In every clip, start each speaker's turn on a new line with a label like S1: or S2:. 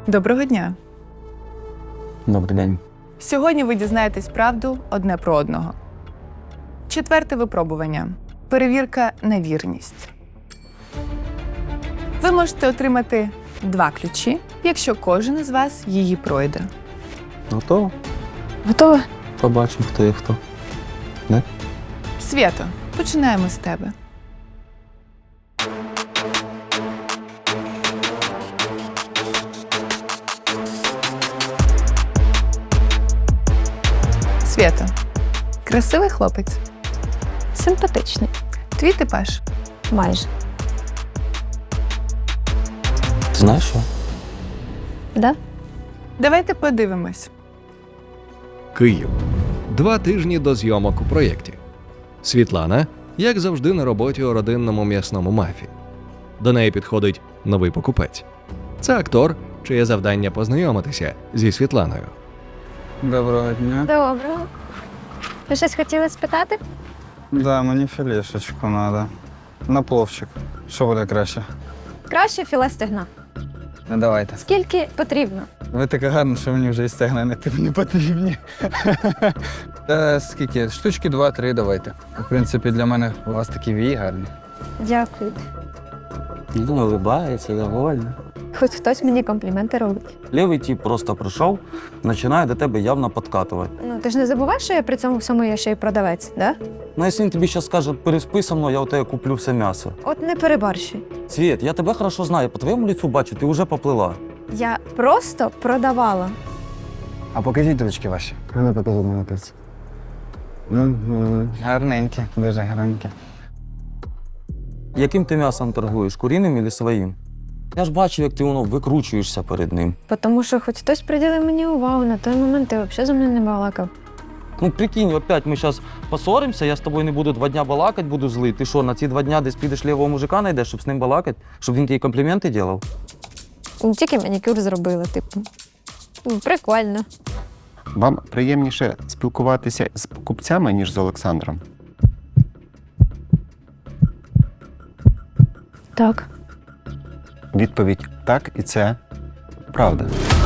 S1: Доброго дня!
S2: Добрий день.
S1: Сьогодні ви дізнаєтесь правду одне про одного. 4-те випробування. Перевірка на вірність. Ви можете отримати 2 ключі, якщо кожен із вас її пройде.
S2: Готово?
S1: Готова?
S2: Побачимо, хто є хто. Не?
S1: Свято, починаємо з тебе. Свято. Красивий хлопець.
S3: Симпатичний.
S1: Твій типаж.
S3: Майже.
S2: Ти знаєш що?
S3: Да?
S1: Давайте подивимось.
S4: Київ. 2 тижні до зйомок у проєкті. Світлана, як завжди, на роботі у родинному м'ясному мафі. До неї підходить новий покупець. Це актор, чиє завдання познайомитися зі Світланою.
S5: Доброго дня.
S3: Доброго. Ви щось хотіли спитати?
S5: Да, мені філешечку треба. На пловчик. Що буде краще?
S3: Краще філе стегна.
S5: Ну, давайте.
S3: Скільки потрібно?
S5: Ви така гарна, що мені вже і стегна не потрібні. Скільки? Штучки 2-3 давайте. В принципі, для мене у вас такі вії гарні.
S3: Дякую.
S2: Він улибається, довольний.
S3: Хоч хтось мені компліменти робить.
S2: Лівий тип просто прийшов, починає до тебе явно підкатувати.
S3: Ну, ти ж не забуваєш, що я при цьому всьому є ще й продавець, да?
S2: Ну, якщо він тобі зараз скаже, переспи со мною, я у тебе куплю все м'ясо.
S3: От не перебарщуй.
S2: Світ, я тебе хорошо знаю, по твоєму лицю бачу, ти вже поплила.
S3: Я просто продавала.
S5: А покажіть ручки ваші. Не покажу мене пець. Гарненькі, дуже гарненькі.
S2: Яким ти м'ясом торгуєш, куріним чи своїм? Я ж бачу, як ти воно викручуєшся перед ним.
S3: Тому що хоч хтось приділив мені увагу, на той момент ти взагалі зі мною не балакав.
S2: Ну прикинь, опять ми зараз поссоримося, я з тобою не буду 2 дня балакати, буду злий. Ти що, на ці 2 дня десь підеш лівого мужика знайдеш, щоб з ним балакати? Щоб він тобі компліменти робив?
S3: Тільки манікюр зробила, типу. Прикольно.
S6: Вам приємніше спілкуватися з покупцями, ніж з Олександром?
S3: Так.
S6: Відповідь так, і це правда.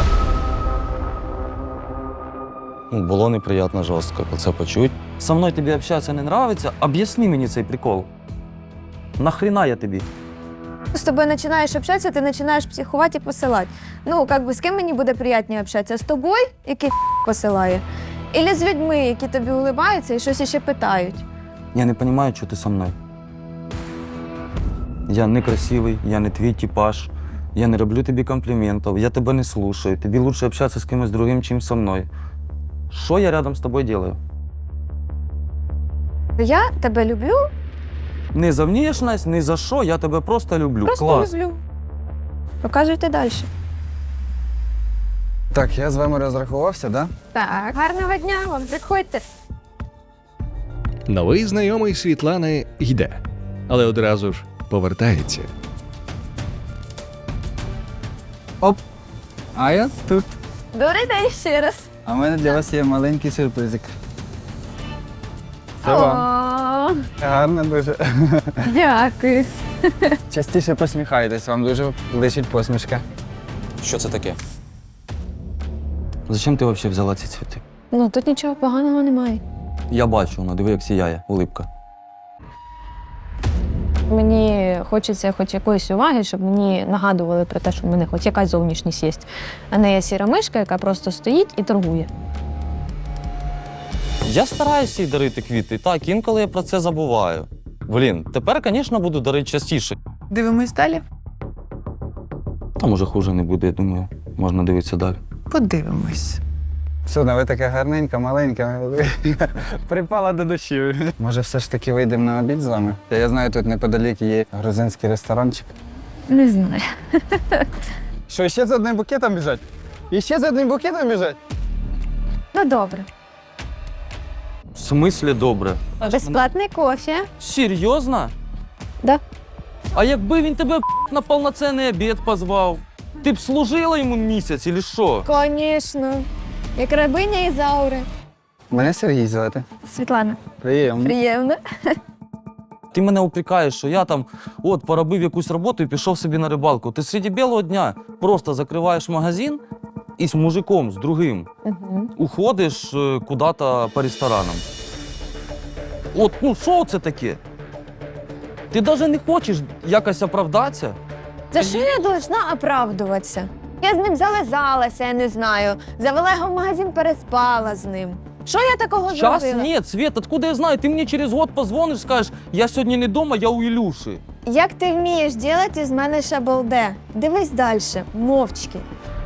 S2: Ну, було неприємно жорстко це почути. Со мною тобі общатися не нравиться? Об'ясни мені цей прикол. Нахрена я тобі?
S3: З тобою починаєш общатися, ти починаєш психувати і посилати. Ну, з ким мені буде приємніше общатися? З тобою, який посилає? Ілі з людьми, які тобі улибаються і щось іще питають?
S2: Я не розумію, що ти со мною. Я не красивий, я не твій типаж, я не роблю тобі компліментів, я тебе не слушаю. Тобі краще общатися з кимось другим, чим со мною. Що я рядом з тобою роблю?
S3: Я тебе люблю,
S2: Не за внешність, не за що, я тебе просто люблю.
S3: просто
S2: Клас.
S3: люблю. Показуйте далі.
S5: Так, я з вами розрахувався, да?
S3: Так, гарного дня вам, приходьте.
S4: Новий знайомий Світлани йде, але одразу ж повертається.
S5: Оп! А я тут.
S3: Добрий день ще раз.
S5: А в мене для вас є маленький сюрпризик. Це вам. Гарно дуже.
S3: Дякую.
S5: Частіше посміхайтесь, вам дуже личить посмішка.
S2: Що це таке? Зачем ти взагалі взяла ці цвіти?
S3: Ну, тут нічого поганого немає.
S2: Я бачу, воно, диви, як сіяє, улипка.
S3: Мені хочеться хоч якоїсь уваги, щоб мені нагадували про те, що в мене хоч якась зовнішність є. А не я сіра мишка, яка просто стоїть і торгує.
S2: Я стараюся їй дарити квіти, так, інколи я про це забуваю. Блін, тепер, звісно, буду дарити частіше.
S1: Дивимось далі?
S2: Там уже хуже не буде, я думаю, можна дивитися далі.
S1: Подивимось.
S5: Сюда, ви така гарненька, маленька. Припала до душі. Може, все ж таки вийдемо на обід з вами? Я знаю, тут неподалік є грузинський ресторанчик.
S3: Не знаю.
S5: Що, ще за одним букетом біжать? І ще за одним букетом біжать?
S3: Ну, добре.
S2: В смислі добре?
S3: Безплатний кофе.
S2: Серйозно?
S3: Да.
S2: А якби він тебе на повноцінний обід позвав? Ти б служила йому місяць, чи що?
S3: Звісно. Як рабиня Ізаури.
S5: Мене Сергій звати.
S3: Світлана.
S5: Приємно.
S3: Приємно.
S2: Ти мене упрекаєш, що я там от поробив якусь роботу і пішов собі на рибалку. Ти серед білого дня просто закриваєш магазин і з мужиком, з другим, уходиш куди-то по ресторанам. От, ну що це таке? Ти навіть не хочеш якось оправдатися?
S3: За що я должна оправдуватися? Я з ним зализалася, я не знаю. Завела його в магазин, переспала з ним. Що я такого
S2: Сейчас
S3: зробила?
S2: нет, Свет, откуда я знаю? Ты мне через год позвонишь, скажешь, я сьогодні не дома, я у Ілюші.
S3: Як ти вмієш робити із мене шабалде? Дивись далі, мовчки.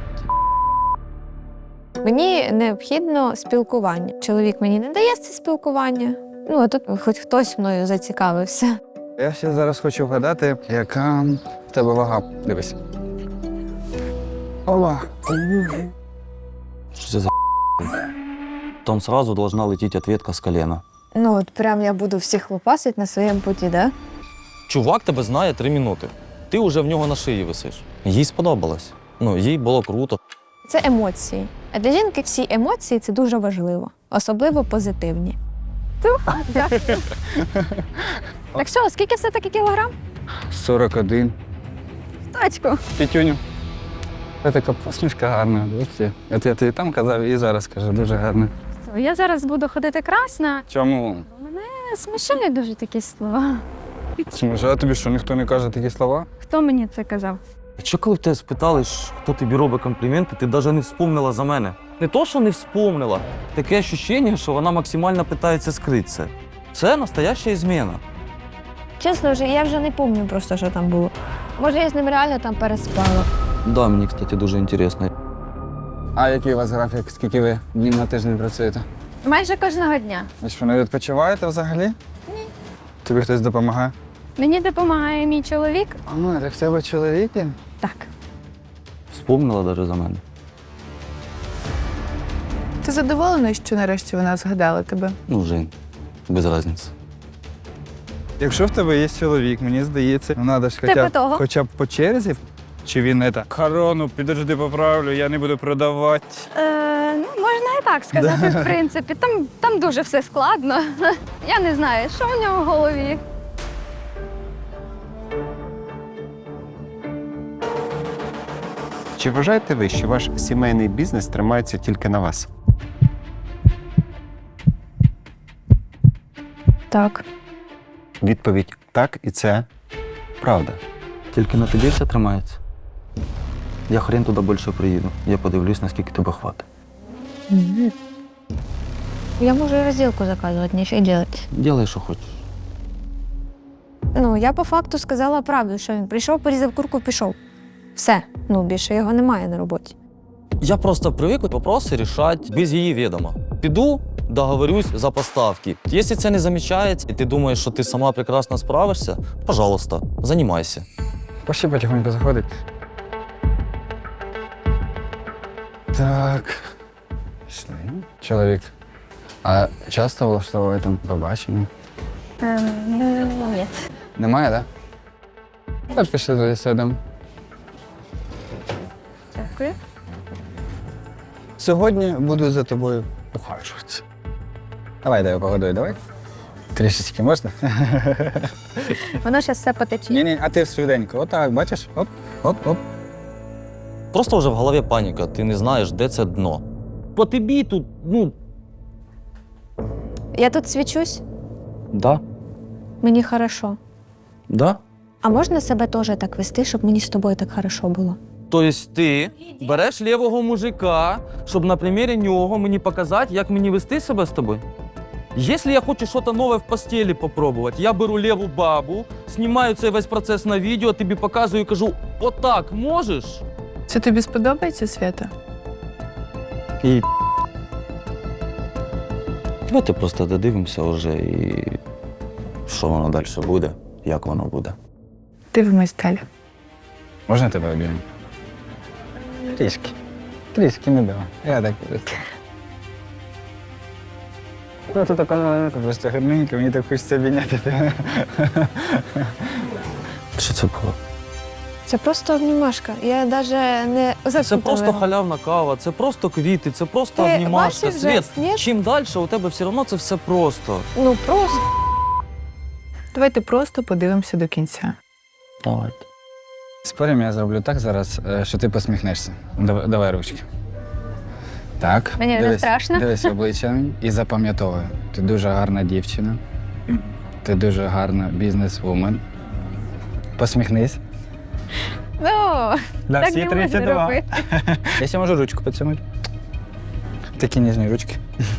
S3: Мені необхідно спілкування. Чоловік мені не дає це спілкування. Ну, а тут хоч хтось мною зацікавився.
S5: Я ще зараз хочу вгадати, яка в тебе вага. Дивись. Ова.
S2: Що це за Там сразу должна лететь ответка з колена.
S3: Ну, от прям я буду всіх лупасити на своєму путі, да?
S2: Чувак тебе знає 3 минути. Ти вже в нього на шиї висиш. Їй сподобалось. Ну, їй було круто.
S3: Це емоції. А для жінки всі емоції – це дуже важливо. Особливо позитивні. Так що, скільки все-таки кілограм?
S5: 41.
S3: Точку.
S5: Пітюню. Це така посмішка гарна. Дивіться. От я тобі там казав і зараз кажу, дуже гарна.
S7: Я зараз буду ходити красна.
S5: Чому?
S7: Смішні дуже такі слова.
S5: Чому? А тобі що, ніхто не каже такі слова?
S7: Хто мені це казав?
S2: Що коли в тебе спитали, хто тобі робить компліменти, ти навіть не вспомнила за мене. Не то, що не вспомнила, таке відчуття, що вона максимально питається скрити це. Це настояща зміна.
S3: Чесно, я вже не пам'ятаю просто, що там було. Може, я з ним реально там переспала.
S2: Да, мені, кстати, дуже цікаво.
S5: А який у вас графік? Скільки ви днів на тиждень працюєте?
S7: Майже кожного дня.
S5: Ви що, не відпочиваєте взагалі? Ні. Тобі хтось допомагає?
S7: Мені допомагає мій чоловік.
S5: Ну, так в тебе чоловік є?
S7: Так.
S2: Вспомнила навіть за мене.
S1: Ти задоволений, що нарешті вона згадала тебе?
S2: Ну, Жень, без різниці.
S5: Якщо в тебе є чоловік, мені здається, ну, треба ж
S7: Типу того.
S5: хоча б по черзі. Чи він не так? Корону, підожди, поправлю, я не буду продавати.
S7: Ну, можна і так сказати, в принципі. Там дуже все складно. Я не знаю, що в нього в голові.
S6: Чи вважаєте ви, що ваш сімейний бізнес тримається тільки на вас?
S3: Так.
S6: Відповідь так, і це правда.
S2: Тільки на тобі все тримається. Я хрен туди більше приїду. Я подивлюсь, наскільки тебе хватить.
S3: Я можу і розділку заказувати, нічого робити.
S2: Ділай, що хочеш.
S3: Ну, я по факту сказала правду, що він прийшов, порізав курку, пішов. Все. Ну, більше його немає на роботі.
S2: Я просто привик вопроси рішати без її відома. Піду, договорюсь за поставки. Якщо це не замічається, і ти думаєш, що ти сама прекрасно справишся, пожалуйста, займайся.
S5: Пошли потихоньку заходить. Так. Пішли. Чоловік. А часто влаштовує там побачення?
S7: Ні.
S5: Немає, так? Да? Так, пішли туди сидимо.
S7: Дякую.
S5: Сьогодні буду за тобою ухажувати. Давай, дай погодуй, давай. Трішечки можна?
S3: Воно зараз все потече.
S5: Ні, а ти швиденько. Отак, бачиш? Оп, оп, оп.
S2: Просто вже в голові паніка, ти не знаєш, де це дно. По тобі тут,
S3: Я тут свічусь,
S2: да,
S3: мені хорошо.
S2: да.
S3: А можна себе теж так вести, щоб мені з тобою так хорошо було?
S2: Тобто ти береш лівого мужика, щоб на примірі нього мені показати, як мені вести себе з тобою? Якщо я хочу щось нове в постелі попробувати, я беру ліву бабу, знімаю цей весь процес на відео, тобі показую і кажу, отак можеш?
S1: Це тобі сподобається, Свята?
S2: І давайте просто додивимося вже і що воно далі буде, як воно буде.
S1: Дивимось далі.
S5: Можна тебе обійму? Трішки. Трішки не дав. Я так буду. Ну, тут така маленька, просто гарненька, мені так хочеться обійняти тебе.
S2: Що це було?
S3: Це просто обнімашка. Я навіть не
S2: Це
S3: зацікавила.
S2: просто халявна кава, це просто квіти, це просто
S3: Ти
S2: обнімашка.
S3: бачиш
S2: Світ,
S3: жест, ні?
S2: чим далі, у тебе все одно це все просто.
S3: Ну, просто.
S1: Давайте просто подивимося до кінця.
S2: Давайте.
S5: Спорим, я зроблю так зараз, що ти посміхнешся. Давай ручки. Так.
S7: Мені не
S5: дивись,
S7: страшно.
S5: Дивись в обличчя мені і запам'ятовуй. Ти дуже гарна дівчина. Ти дуже гарна бізнес-вумен. Посміхнись.
S7: Ну,
S5: Да,
S7: так не можна робити.
S5: Я ще можу ручку поцілувати. Такі ніжні ручки.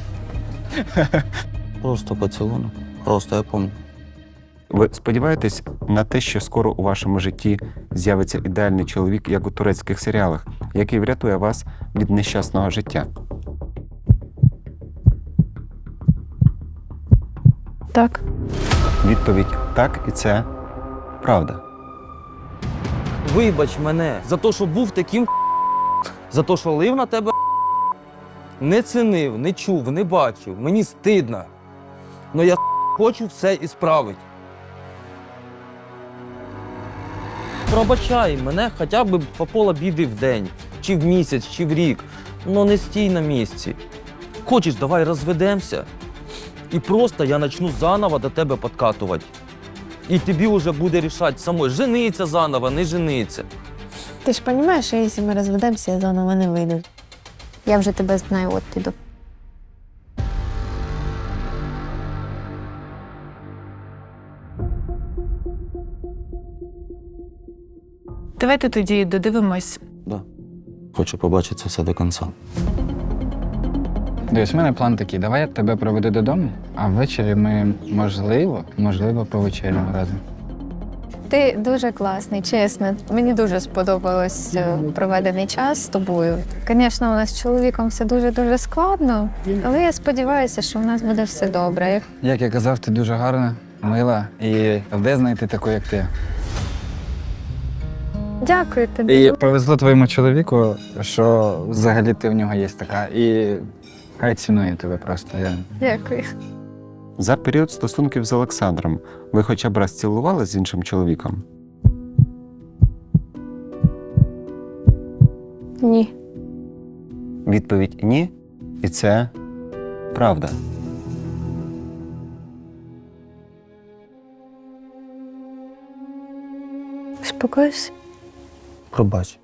S2: Просто поцілунок. Просто я пам'ятаю.
S6: Ви сподіваєтесь на те, що скоро у вашому житті з'явиться ідеальний чоловік, як у турецьких серіалах, який врятує вас від нещасного життя?
S3: Так.
S6: Відповідь так, і це правда.
S2: Вибач мене за те, що був таким за те, що лив на тебе не цінив, не чув, не бачив. Мені стидно. Но я хочу все ісправити. Пробачай мене хоча б по пола біди в день, чи в місяць, чи в рік. Но не стій на місці. Хочеш, давай розведемося. І просто я почну заново до тебе підкатувати. І тобі вже буде рішати самой, жениться заново, не жениться.
S3: Ти ж розумієш, що якщо ми розведемося, я заново не вийду. Я вже тебе знаю, от іду.
S1: Давайте тоді додивимось.
S2: Да. Хочу побачити це все до кінця.
S5: Дивись, у мене план такий. Давай я тебе проведу додому, а ввечері ми, можливо, повечеряємо разом.
S3: Ти дуже класний, чесно. Мені дуже сподобалось проведений час з тобою. Звісно, у нас з чоловіком все дуже-дуже складно, але я сподіваюся, що в нас буде все добре.
S5: Як я казав, ти дуже гарна, мила і де знайти таку, як ти.
S3: Дякую тобі.
S5: І повезло твоєму чоловіку, що взагалі ти в нього є така. І хай цінує тебе просто.
S3: Дякую.
S6: За період стосунків з Олександром ви хоча б раз цілувались з іншим чоловіком?
S3: Ні.
S6: Відповідь ні, і це правда.
S3: Спокойся.
S2: Пробач.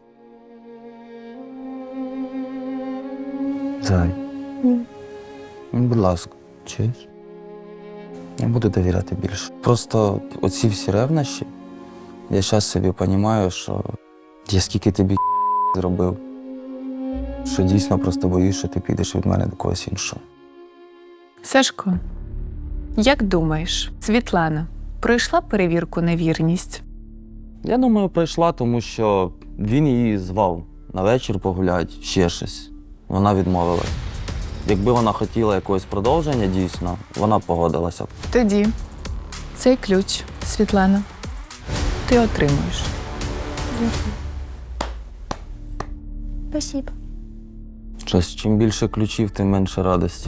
S2: Зай.
S3: Ні.
S2: Будь ласка, чуєш? Я буду довіряти більше. Просто оці всі ревнощі, я зараз собі розумію, що я скільки тобі зробив, що дійсно просто боюсь, що ти підеш від мене до когось іншого.
S1: Сашко, як думаєш, Світлана пройшла перевірку на вірність?
S2: Я думаю, прийшла, тому що він її звав на вечір погуляти, ще щось. Вона відмовилась. Якби вона хотіла якогось продовження, дійсно, вона б погодилася.
S1: Тоді цей ключ, Світлана, ти отримуєш.
S3: Спасибо.
S2: Щось, чим більше ключів, тим менше радості.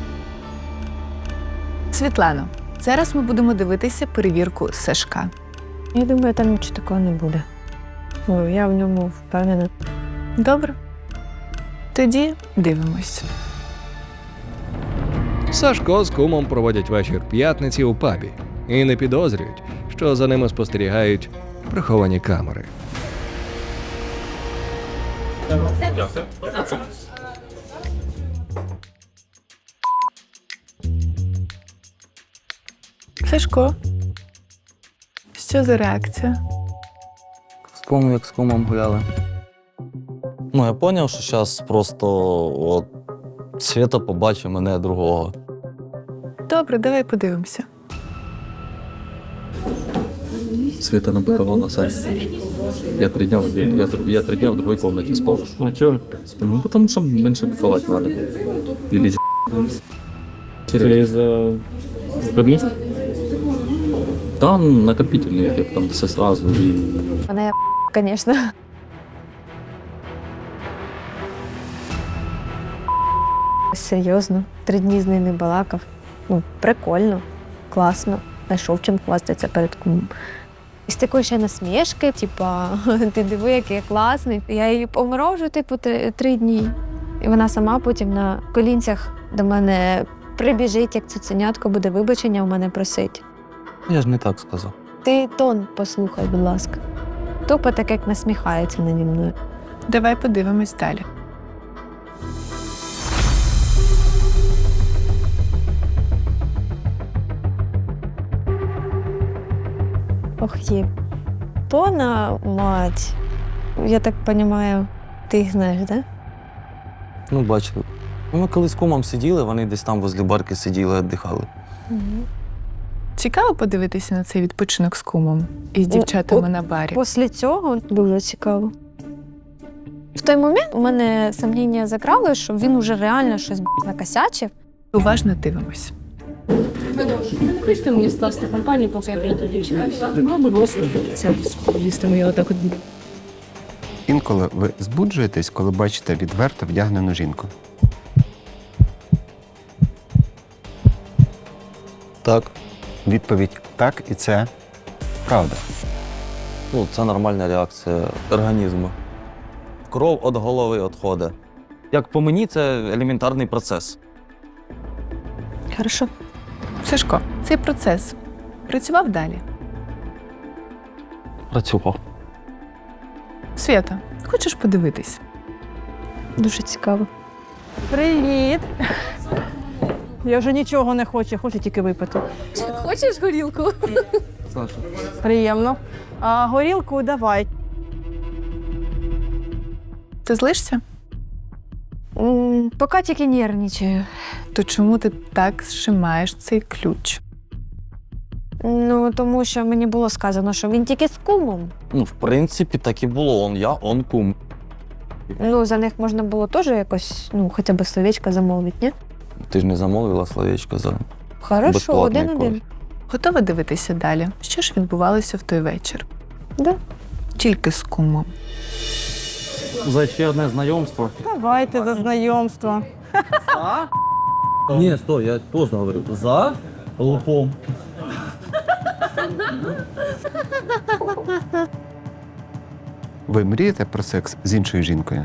S1: Світлано, зараз ми будемо дивитися перевірку Сашка.
S3: Я думаю, там нічого такого не буде. Я в ньому впевнена.
S1: Добре? Тоді дивимось.
S4: Сашко з кумом проводять вечір п'ятниці у пабі і не підозрюють, що за ними спостерігають приховані камери.
S1: Сашко, що за реакція?
S2: Вспомнив, як з кумом гуляли. Ну, я зрозумів, що зараз просто от, Свята побачить мене другого.
S1: Добре, давай подивимося.
S8: Света напихала на сайт. Я 3 дня в другой комнате спал. А чё? Ну, потому что меньше бухать надо. Или через кабинет? Там накопительный эффект, там все сразу. И
S3: Вона я, звісно. Серйозно, 3 дні з нею не балакав. Ну, прикольно, класно. Знайшов чим хвастатися перед кумом. І з такої ще насмішки, типа, ти диви, який я класний. Я її поморожу, типу, 3 дні. І вона сама потім на колінцях до мене прибіжить, як цуценятко буде вибачення у мене просить.
S2: Я ж не так сказав.
S3: Ти тон послухай, будь ласка. Тупо так, як насміхається наді мною.
S1: Давай подивимось далі.
S3: Ох, є. Тона, мать. Я так розумію, ти їх знаєш, так?
S2: Ну, бачили. Ми колись з кумом сиділи, вони десь там возле барки сиділи, віддихали.
S1: Цікаво подивитися на цей відпочинок з кумом і з дівчатами на барі.
S3: Після цього дуже цікаво. В той момент у мене сумніння закрали, що він уже реально щось накосячив.
S1: Уважно дивимось.
S9: Хочете мені скласти компанію, поки я прийду дівчина? Ну, будь ласка, їсти моє отак от.
S6: Інколи ви збуджуєтесь, коли бачите відверто вдягнену жінку.
S2: Так.
S6: Відповідь так, і це правда.
S2: Ну, це нормальна реакція організму. Кров від голови відходить. Як по мені, це елементарний процес.
S3: Хорошо.
S1: Сашко, цей процес працював далі.
S2: Працював.
S1: Свята, хочеш подивитись?
S3: Дуже цікаво.
S10: Привіт! Я вже нічого не хочу тільки випити.
S7: Хочеш горілку?
S2: Саша.
S10: Приємно. А горілку давай.
S1: Ти злишся?
S3: Поки тільки нервничаю.
S1: То чому ти так зжимаєш цей ключ?
S3: Ну, тому що мені було сказано, що він тільки з кумом.
S2: Ну, в принципі, так і було. Он я, он кум.
S3: Ну, за них можна було теж якось, ну, хоча б словечко замовити, ні?
S2: Ти ж не замовила словечко за
S3: Хорошо,
S2: безплатний
S3: один-один.
S2: кофе.
S1: Готова дивитися далі? Що ж відбувалося в той вечір?
S3: Да.
S1: Тільки з кумом.
S2: За ще одне знайомство.
S10: Давайте за знайомство.
S2: Ні, стой, я точно говорю. За лупом.
S6: Ви мрієте про секс з іншою жінкою?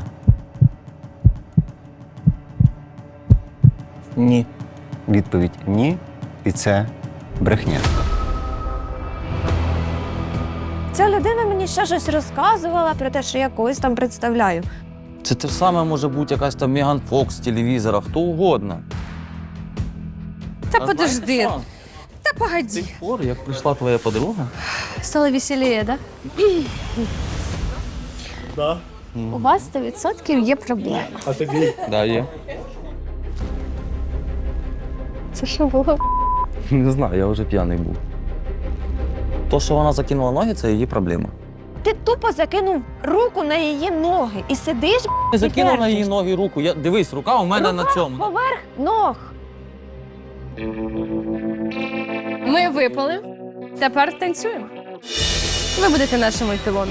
S5: Ні.
S6: Відповідь ні, і це брехня.
S3: Ця людина мені ще щось розказувала про те, що я когось там представляю.
S2: Це те ж саме може бути якась там Меган Фокс з телевізора, хто угодно.
S7: Та
S2: А
S7: подожди.
S2: знаєте що?
S7: Та
S2: З
S7: погоди.
S2: тих пор, як прийшла твоя подруга,
S7: Стало веселіє, да?
S2: Да.
S7: У вас 100% є проблема.
S2: Да, є.
S3: Це що було?
S2: Не знаю, я вже п'яний був. То, що вона закинула ноги, це її проблема.
S3: Ти тупо закинув руку на її ноги і сидиш
S2: Я закинув на
S3: держиш.
S2: її ноги руку. Дивись, рука у мене на цьому.
S3: поверх ног.
S7: Ми випали. Тепер танцюємо. Ви будете нашими еталонами.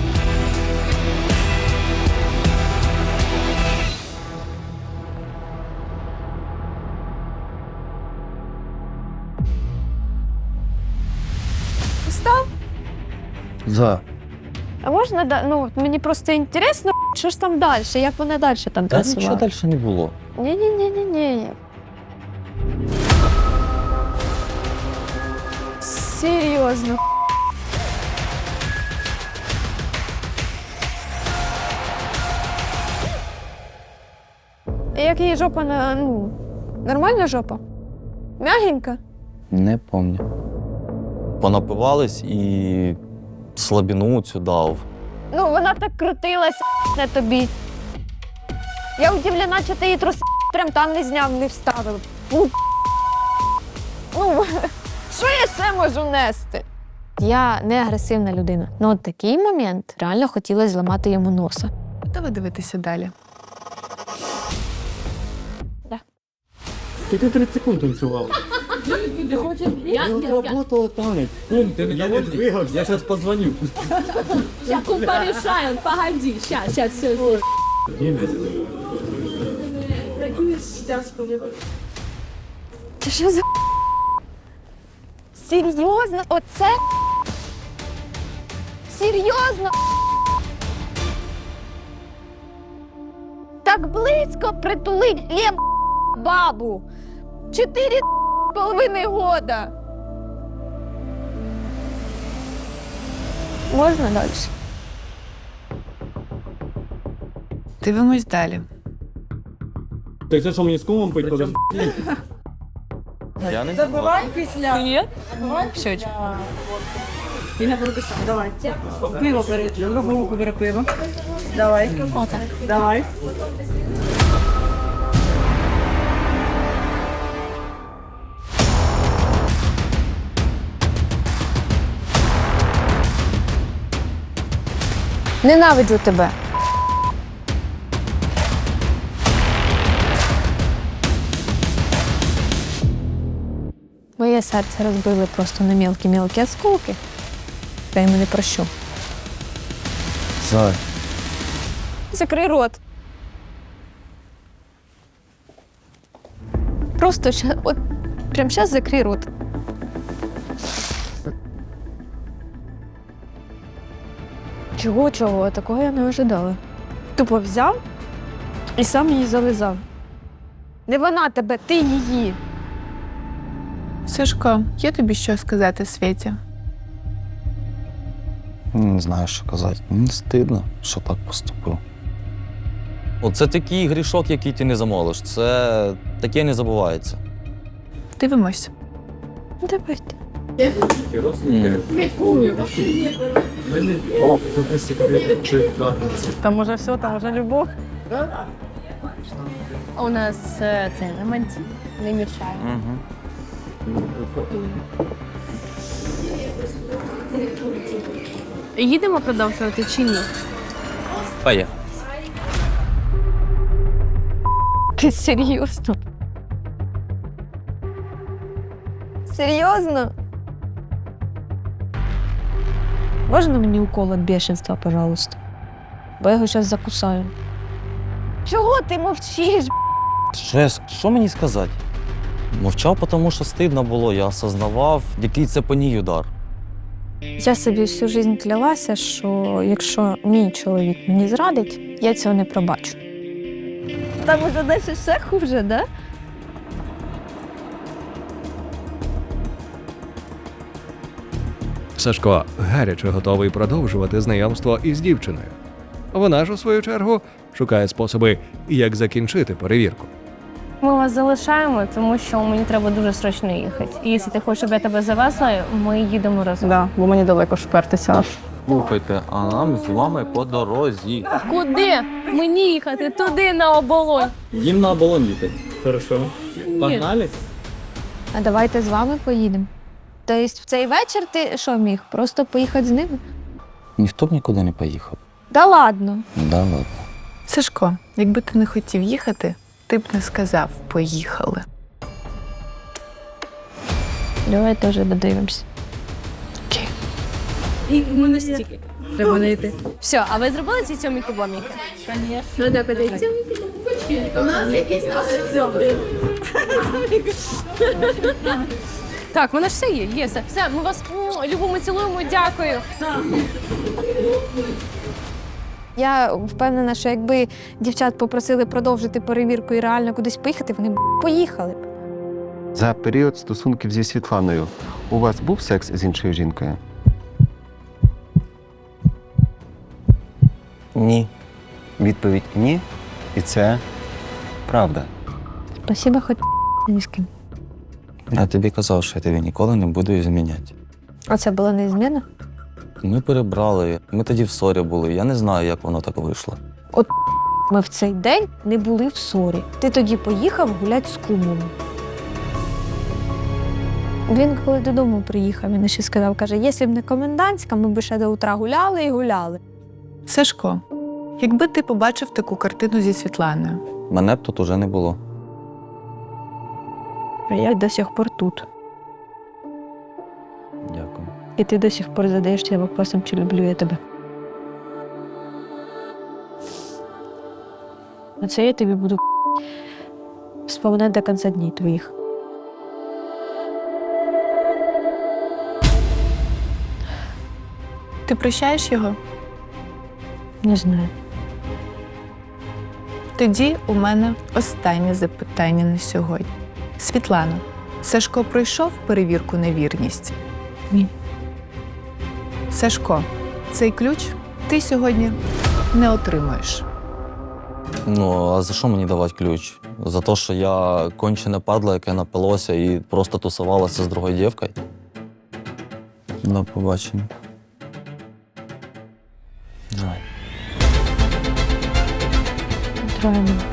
S7: Встав?
S2: За.
S3: А можна, ну, мені просто інтересно, що ж там далі, як вона далі там
S2: Та нічого
S3: танцювала?
S2: далі не було.
S3: Ні-ні-ні-ні-ні. Серйозно. Як її жопа ну, нормальна жопа? Мягенька?
S2: Не пам'ятаю. Понапивались і слабіну цю дав.
S3: Ну, вона так крутилась на тобі. Я удивлена, що ти її труси прям там не зняв, не вставив. Ну, що я ще можу нести? Я не агресивна людина. Ну, от такий момент реально хотілося зламати йому носа.
S1: Готова дивитися далі?
S8: Ти 30 секунд танцював. Я работала танець. Кум, ти не двигався. Я зараз позвоню.
S9: Я кум порішаю, погоди, щас, все.
S3: Це що за... Серйозно? Оце? Серйозно? Так близько притулить бабу. 4,5 года. Можна далі?
S1: Дивимось далі.
S8: Так це що, мені з кумом пить?
S2: Я не
S10: Забивай після.
S9: Ні?
S10: Щочку. І не прописав. Давай. Пиво бери. Другу руку бери пиво. Давай.
S9: Отак.
S10: Давай.
S3: Ненавиджу тебе. Моє серце розбили просто на мілкі-мілкі осколки. Я йому не прощу.
S5: Зай.
S3: Закрий рот. Просто от прямо зараз закрий рот. Чого? Такого я не ожидала. Тупо взяв і сам її зализав. Не вона тебе, ти її.
S1: Сашко, є тобі що сказати Світі?
S5: Не знаю, що казати. Мені стидно, що так поступив.
S2: Оце такий грішок, який ти не замолиш. Це таке не забувається.
S1: Дивимось.
S3: Давайте.
S10: Там уже все, там уже любов.
S9: У нас це романтик. Не мішає. Їдемо продовжувати чи ні?
S2: Поїхали.
S3: Ти серйозно? Серйозно? Можна мені укол від бешенства, пожалуйста? Бо я його зараз закусаю. Чого ти мовчиш?
S2: Що мені сказати? Мовчав, тому що стидно було. Я осознавав, який це по ній удар.
S3: Я собі всю життя клялася, що якщо мій чоловік мені зрадить, я цього не пробачу. Там уже далі ще хуже, да?
S4: Сашко гаряче готовий продовжувати знайомство із дівчиною. Вона ж, у свою чергу, шукає способи, як закінчити перевірку.
S9: Ми вас залишаємо, тому що мені треба дуже срочно їхати. І якщо ти хочеш, щоб я тебе завезла, ми їдемо разом.
S10: Да, бо мені далеко шпертися аж.
S2: Слухайте, а нам з вами по дорозі.
S9: Куди? Мені їхати туди на оболонь.
S8: Їм на оболонь їхати. Хорошо. Погнали?
S3: А давайте з вами поїдемо. Тобто в цей вечір ти що міг? Просто поїхати з ними?
S5: Ніхто б нікуди не поїхав.
S3: Да ладно.
S5: Да ладно.
S1: Сашко, якби ти не хотів їхати, ти б не сказав «поїхали».
S3: Давайте вже додивимось.
S9: І в мене стільки. Треба не йти. Все, а ви зробили ці сьомі кубоміки? Звісно. Ну так, подивіться. У нас якісь Так, в мене ж все є, все. Все, ми вас любимо, цілуємо, дякую.
S3: Я впевнена, що якби дівчат попросили продовжити перевірку і реально кудись поїхати, вони б поїхали б.
S6: За період стосунків зі Світланою у вас був секс з іншою жінкою?
S5: Ні. Відповідь ні. І це правда.
S3: Спасибо, хоч ні з ким.
S5: Я тобі казав, що я тебе ніколи не буду зміняти.
S3: А це була незмінна?
S2: Ми перебрали, ми тоді в ссорі були. Я не знаю, як воно так вийшло.
S3: Ми в цей день не були в ссорі. Ти тоді поїхав гуляти з кумом. Він коли додому приїхав, він ще сказав, каже, якщо б не комендантська, ми б ще до утра гуляли і гуляли.
S1: Сашко, якби ти побачив таку картину зі Світланою,
S2: Мене б тут уже не було.
S3: А я до сих пор тут.
S2: Дякую.
S3: І ти до сих пор задаєшся вопросом, чи люблю я тебе. А це я тобі буду вспоминати до кінця днів твоїх.
S1: ти прощаєш його?
S3: Не знаю.
S1: Тоді у мене останнє запитання на сьогодні. Світлано, Сашко пройшов перевірку на вірність?
S3: Ні.
S1: Сашко, Цей ключ ти сьогодні не отримаєш.
S2: Ну, а за що мені давати ключ? За те, що я кончене падло, яке напилося і просто тусувалося з другою дівкою? До побачення. Жаль.
S9: Правильно.